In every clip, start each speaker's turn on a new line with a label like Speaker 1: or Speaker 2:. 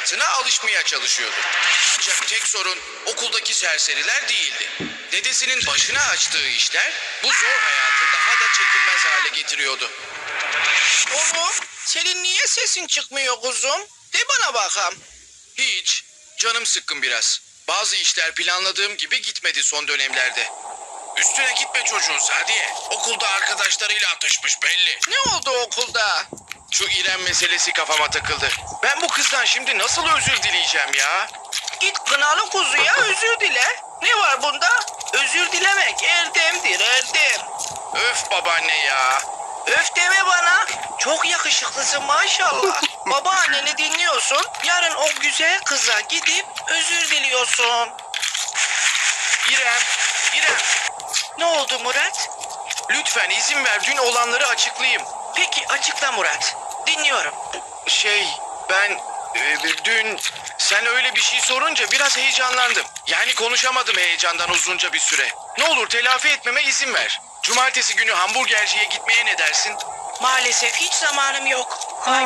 Speaker 1: hayatına alışmaya çalışıyordu. Ancak tek sorun okuldaki serseriler değildi. Dedesinin başına açtığı işler bu zor hayatı daha da çekilmez hale getiriyordu.
Speaker 2: Oğlum, senin niye sesin çıkmıyor kuzum? De bana bakalım.
Speaker 1: Hiç. Canım sıkkın biraz. Bazı işler planladığım gibi gitmedi son dönemlerde. Üstüne gitme çocuğun Sadiye. Okulda arkadaşlarıyla atışmış belli.
Speaker 2: Ne oldu okulda?
Speaker 1: Şu İrem meselesi kafama takıldı. Ben bu kızdan şimdi nasıl özür dileyeceğim ya?
Speaker 2: Git kınalı kuzuya özür dile. Ne var bunda? Özür dilemek erdemdir erdem.
Speaker 1: Öf babaanne ya.
Speaker 2: Öf deme bana. Çok yakışıklısın maşallah. Babaanneni dinliyorsun. Yarın o güzel kıza gidip özür diliyorsun.
Speaker 1: İrem, İrem.
Speaker 2: Ne oldu Murat?
Speaker 1: Lütfen izin ver dün olanları açıklayayım.
Speaker 2: Peki açıkla Murat. Dinliyorum.
Speaker 1: Ben dün sen öyle bir şey sorunca biraz heyecanlandım. Yani konuşamadım heyecandan uzunca bir süre. Ne olur telafi etmeme izin ver. Cumartesi günü hamburgerciye gitmeye ne dersin?
Speaker 2: Maalesef hiç zamanım yok.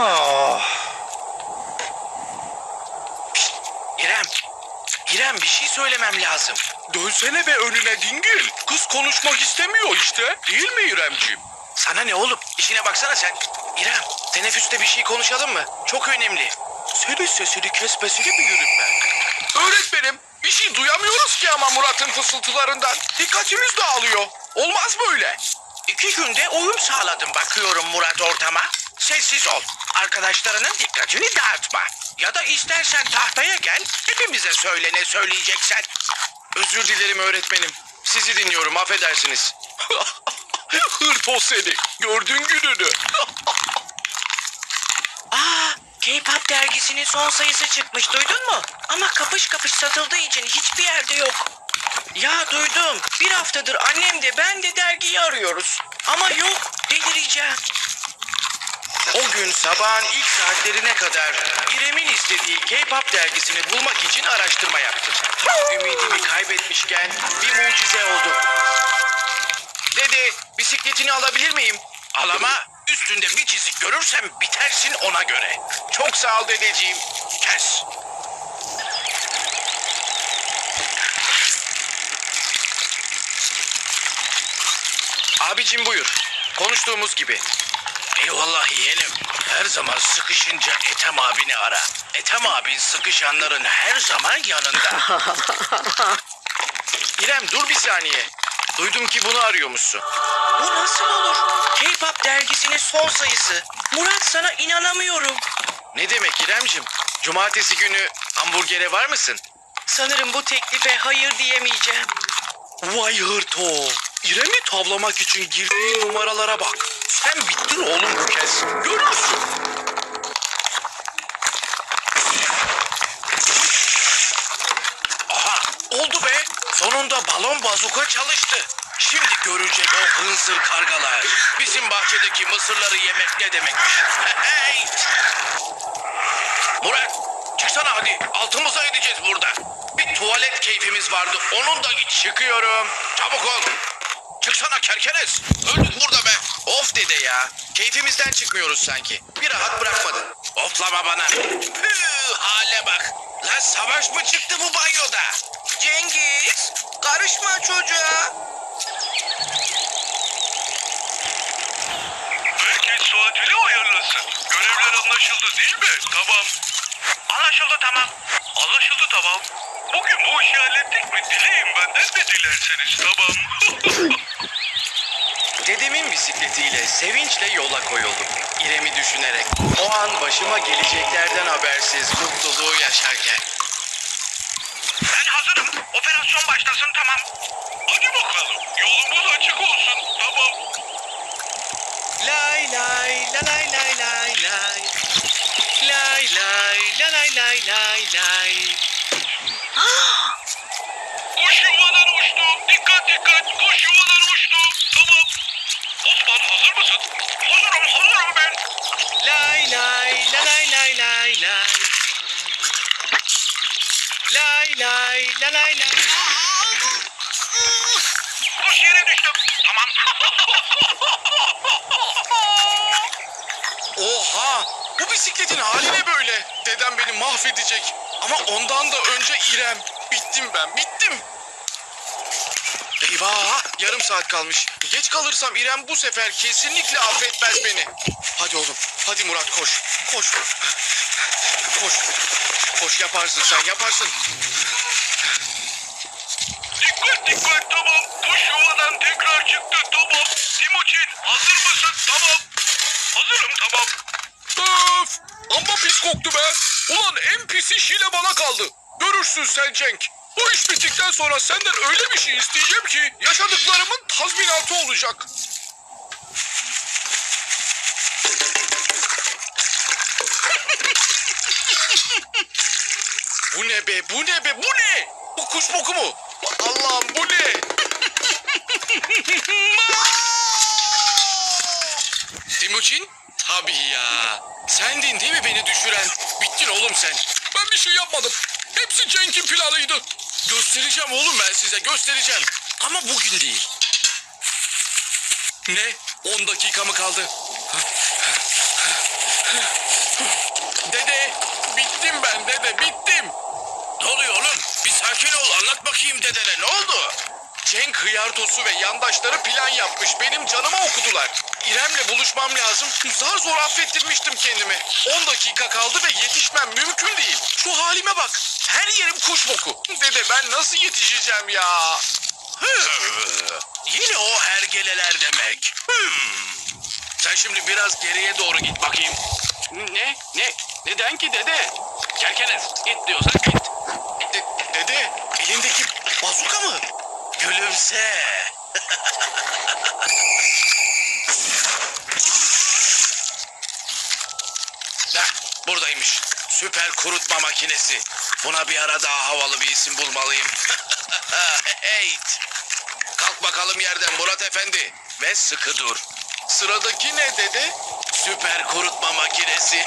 Speaker 1: Pişt, İrem. İrem bir şey söylemem lazım. Dönsene be önüne dingil. Kız konuşmak istemiyor işte. Değil mi İremciğim? Sana ne oğlum? İşine baksana sen. İrem, teneffüste bir şey konuşalım mı? Çok önemli. Senin sesini kesmesini bilirim ben. Öğretmenim, bir şey duyamıyoruz ki ama Murat'ın fısıltılarından. Dikkatimiz dağılıyor. Olmaz böyle.
Speaker 2: 2 günde uyum sağladım bakıyorum Murat ortama. Sessiz ol. Arkadaşlarının dikkatini dağıtma. Ya da istersen tahtaya gel. Hepimize söyle ne söyleyeceksen.
Speaker 1: Özür dilerim öğretmenim. Sizi dinliyorum, affedersiniz. Hırpo seni. Gördün gününü.
Speaker 2: K-pop dergisinin son sayısı çıkmış duydun mu? Ama kapış kapış satıldığı için hiçbir yerde yok. Ya duydum. Bir haftadır annem de ben de dergiyi arıyoruz. Ama yok. Delireceğim.
Speaker 1: O gün sabahın ilk saatlerine kadar İrem'in istediği K-pop dergisini bulmak için araştırma yaptım. Tam ümidimi kaybetmişken bir mucize oldu. Dede, bisikletini alabilir miyim? Al ama üstünde bir çizik görürsem bitersin ona göre. Çok sağ ol dedeciğim. Kes. Abicim buyur. Konuştuğumuz gibi. Eyvallah yeğenim. Her zaman sıkışınca Ethem abini ara. Ethem abin sıkışanların her zaman yanında. İrem dur bir saniye. Duydum ki bunu arıyormuşsun.
Speaker 2: Bu nasıl olur? K-pop dergisinin son sayısı. Murat sana inanamıyorum.
Speaker 1: Ne demek İremcim? Cumartesi günü hamburgere var mısın?
Speaker 2: Sanırım bu teklife hayır diyemeyeceğim.
Speaker 1: Vay hırto. İrem'i tavlamak için girdiği numaralara bak. Sen bittin oğlum bu kez. Görürsün. Aha oldu be. Sonunda balon bazuka çalıştı. Şimdi görecek o hınzır kargalar. Bizim bahçedeki mısırları yemek ne demekmiş. Hey! Murat çıksana hadi. Altımıza edeceğiz burada. Bir tuvalet keyfimiz vardı. Onun da git. Çıkıyorum. Çabuk ol. Çıksana kerkenes. Öldük burada be. Of dede ya. Keyfimizden çıkmıyoruz sanki. Bir rahat bırakmadın. Oflama bana. Püh, hale bak. Lan savaş mı çıktı bu banyoda?
Speaker 2: Cengiz, karışma çocuğa.
Speaker 3: Herkes saatini ayarlasın. Görevler anlaşıldı değil mi? Tamam. Anlaşıldı tamam. Anlaşıldı tamam. Bugün bu işi hallettik mi? Dileyin benden de dilerseniz tamam.
Speaker 1: Dedemin bisikletiyle sevinçle yola koyuldum. İrem'i düşünerek. O an başıma geleceklerden habersiz mutluluğu yaşarken.
Speaker 3: Ben hazırım. Operasyon başlasın tamam. Hadi bakalım. Yolumuz açık olsun. Tamam.
Speaker 1: Lay lay la lay lay lay lay. Lay lay la lay lay lay lay.
Speaker 3: Kuş yuvadan uçtu. Dikkat dikkat. Kuş yuvadan uçtu. Tamam. Osman hazır mısın? Hazırım ben.
Speaker 1: Lay lay la lay lay lay lay. Lay lay la lay lay.
Speaker 3: Kuş yere düştü. Tamam.
Speaker 1: Oha! Bu bisikletin hali ne böyle? Dedem beni mahvedecek. Ama ondan da önce İrem. Bittim ben, bittim. Eyvah! Yarım saat kalmış. Geç kalırsam İrem bu sefer kesinlikle affetmez beni. Hadi oğlum, hadi Murat koş. Koş. Koş. Koş, yaparsın sen, yaparsın.
Speaker 3: Dikkat dikkat, tamam. Kuş yuvadan tekrar çıktı, tamam. Timuçin hazır mısın? Tamam. Hazırım, tamam.
Speaker 1: Öf! Amma pis koktu be. Ulan en pis iş yine bana kaldı. Görürsün sen Cenk. Bu iş bittikten sonra senden öyle bir şey isteyeceğim ki yaşadıklarımın tazminatı olacak. Bu ne be, bu ne be, bu ne? Bu kuş boku mu? Allah'ım bu ne? Timuçin? Tabii ya. Sendin değil mi beni düşüren? Bittin oğlum sen. Ben bir şey yapmadım. Hepsi Cenk'in planıydı. Göstereceğim oğlum ben size, göstereceğim. Ama bugün değil. Ne? 10 dakika mı kaldı? Dede, bittim ben dede, bittim. Ne oluyor oğlum? Bir sakin ol, anlat bakayım dedene, ne oldu? Cenk hıyartosu ve yandaşları plan yapmış, benim canıma okudular. İrem'le buluşmam lazım, zar zor affettirmiştim kendimi. 10 dakika kaldı ve yetişmem mümkün değil. Şu halime bak, her yerim kuş boku. Dede ben nasıl yetişeceğim ya? Yine o hergeleler demek. Sen şimdi biraz geriye doğru git bakayım. Ne? Neden ki dede? Kerkenes, git diyorsan git. Dede, elindeki bazuka mı? Gülümse. Heh, buradaymış. Süper kurutma makinesi. Buna bir ara daha havalı bir isim bulmalıyım. Hey. Kalk bakalım yerden Murat Efendi. Ve sıkı dur. Sıradaki ne dede? Süper kurutma makinesi.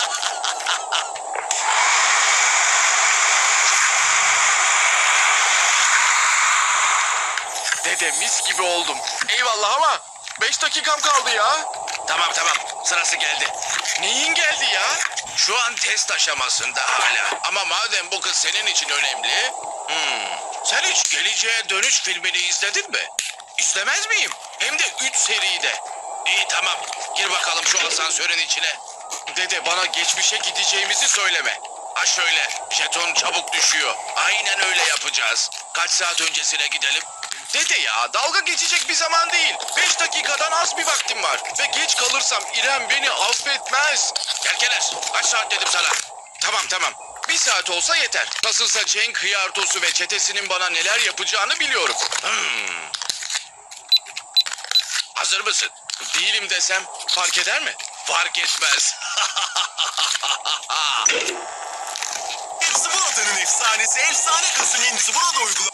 Speaker 1: Dede mis gibi oldum. Eyvallah ama 5 dakikam kaldı ya. Tamam sırası geldi. Neyin geldi ya? Şu an test aşamasında hala. Ama madem bu kız senin için önemli. Sen hiç Geleceğe Dönüş filmini izledin mi? İzlemez miyim? Hem de 3 seride. İyi tamam. Gir bakalım şu asansörün içine. Dede bana geçmişe gideceğimizi söyleme. Ha şöyle, jeton çabuk düşüyor. Aynen öyle yapacağız. Kaç saat öncesine gidelim? Dede ya, dalga geçecek bir zaman değil. 5 dakikadan az bir vaktim var. Ve geç kalırsam İrem beni affetmez. Kerkenes, kaç saat dedim sana? Tamam. Bir saat olsa yeter. Nasılsa Cenk hıyartosu ve çetesinin bana neler yapacağını biliyorum. Hazır mısın? Değilim desem fark eder mi? Fark etmez.
Speaker 4: Zıbırada'nın efsanesi efsane Kasım'ın Zıbırada uygulaması.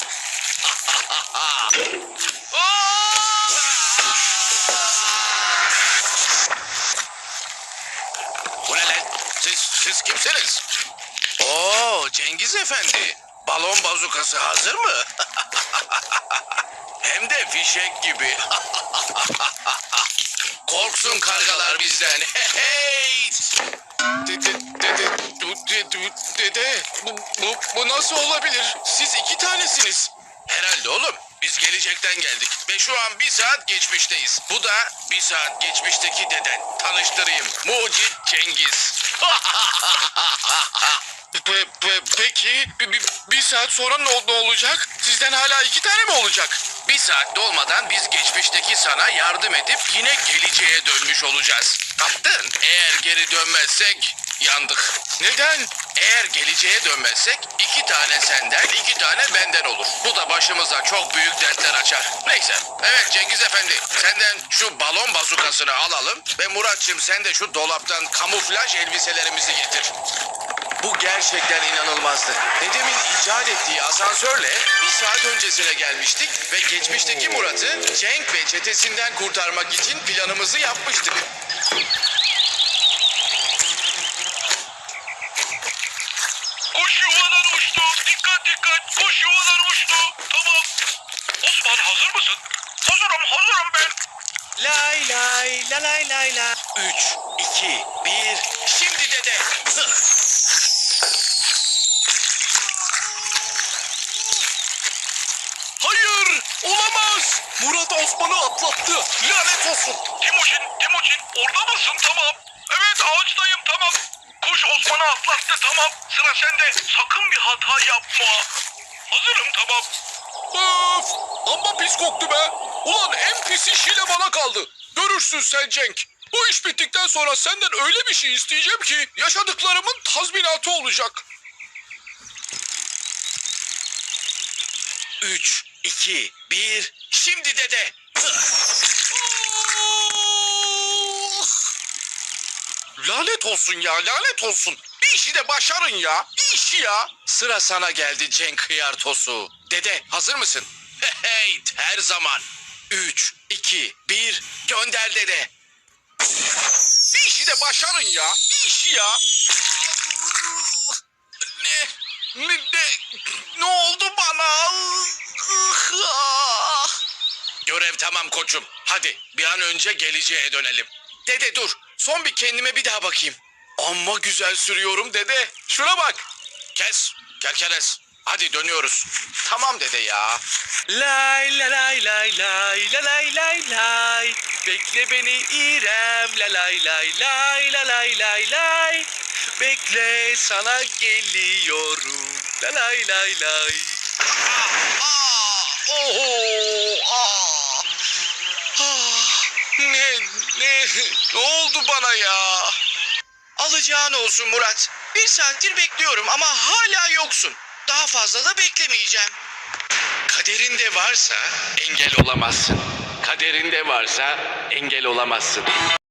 Speaker 1: Bu ne lan? Siz kimsiniz? Oo, Cengiz Efendi. Balon bazukası hazır mı? Hem de fişek gibi. Korksun kargalar bizden. Hey! Dede, bu nasıl olabilir? Siz 2 tanesiniz. Herhalde oğlum. Biz gelecekten geldik ve şu an 1 saat geçmişteyiz. Bu da 1 saat geçmişteki deden. Tanıştırayım. Mucit Cengiz. Peki bir saat sonra ne olacak? Sizden hala 2 tane mi olacak? 1 saat dolmadan biz geçmişteki sana yardım edip yine geleceğe dönmüş olacağız. Kaptın. Eğer geri dönmezsek yandık. Neden? Eğer geleceğe dönmezsek 2 tane senden 2 tane benden olur. Bu da başımıza çok büyük dertler açar. Neyse. Evet Cengiz Efendi, senden şu balon bazukasını alalım ve Muratçım sen de şu dolaptan kamuflaj elbiselerimizi getir. Bu gerçekten inanılmazdı. Dedemin icat ettiği asansörle 1 saat öncesine gelmiştik ve geçmişteki Murat'ı Cenk ve çetesinden kurtarmak için planımızı yapmıştık.
Speaker 3: Kuş yuvadan uçtu. Dikkat. Kuş yuvadan uçtu. Tamam. Osman hazır mısın? Hazırım ben.
Speaker 2: Lay lay la lay lay la.
Speaker 1: 3, 2, 1. Şimdi dede. Hayır, olamaz. Murat Osman'ı atlattı. Lanet olsun.
Speaker 3: Timuçin orada mısın? Tamam. Evet ağaçtayım tamam. Kuş Osman'ı atlattı tamam. Sıra sende. Sakın bir hata yapma. Hazırım tamam.
Speaker 1: Öf! Amma pis koktu be. Ulan en pis iş yine bana kaldı. Görürsün sen Cenk. Bu iş bittikten sonra senden öyle bir şey isteyeceğim ki yaşadıklarımın tazminatı olacak. 3, 2, 1. Şimdi dede. Lanet olsun ya, lanet olsun. Bir işi de başarın ya. Bir işi ya. Sıra sana geldi Cenk Hıyartosu. Dede hazır mısın? Hey, her zaman. 3, 2, 1. Gönder dede. Bir işi de başarın ya. Bir işi ya. Ne oldu bana? Görev tamam koçum. Hadi bir an önce geleceğe dönelim. Dede dur. Son bir kendime bir daha bakayım. Amma güzel sürüyorum dede. Şuna bak. Kes. Kerkenes. Hadi dönüyoruz. Tamam dede ya. Lay la lay lay lay la lay lay lay. Bekle beni İrem la lay lay lay la lay lay lay. Bekle sana geliyorum la lay lay lay. Ne oldu bana ya?
Speaker 2: Alacağın olsun Murat. 1 saattir bekliyorum ama hala yoksun. Daha fazla da beklemeyeceğim.
Speaker 1: Kaderinde varsa engel olamazsın. Kaderinde varsa engel olamazsın.